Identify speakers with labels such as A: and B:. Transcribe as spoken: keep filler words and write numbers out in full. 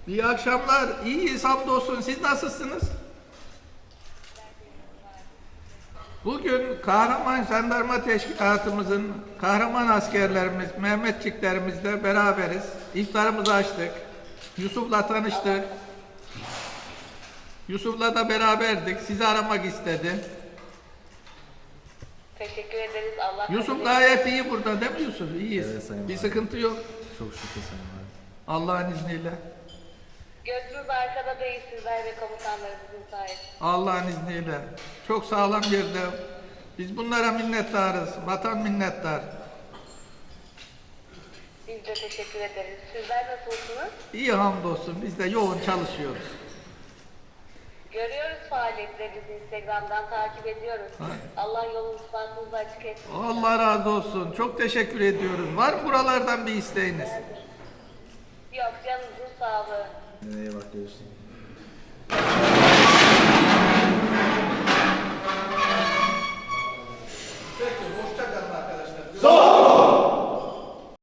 A: İyi akşamlar. İyiyiz hamdolsun. Siz nasılsınız? Bugün kahraman jandarma teşkilatımızın kahraman askerlerimiz, Mehmetçiklerimizle beraberiz. İftarımızı açtık. Yusuf'la tanıştık. Yusuf'la da beraberdik. Sizi aramak istedi.
B: Teşekkür ederiz. Allah
A: Yusuf
B: kabul
A: gayet iyi burada değil mi Yusuf? İyiyiz.
C: Evet, Sayın
A: Bir
C: Valim.
A: sıkıntı yok.
C: Çok şükür Sayın Valim.
A: Allah'ın izniyle.
B: Gözünüz arkada değil, sizler ve komutanlarınızın sayesinde.
A: Allah'ın izniyle. Çok sağlam yerde. Biz bunlara minnettarız. Vatan minnettar.
B: Biz de teşekkür ederiz. Sizler nasılsınız?
A: İyi hamdolsun. Biz de yoğun çalışıyoruz.
B: Görüyoruz faaliyetlerinizi, Instagram'dan takip ediyoruz.
A: Ha.
B: Allah yolunuzu bahtınızı açık etsin.
A: Allah razı olsun. Çok teşekkür ediyoruz. Var mı buralardan bir isteğiniz?
B: Yok, canınızın sağlığı.
C: Nereye bak görüşürüz.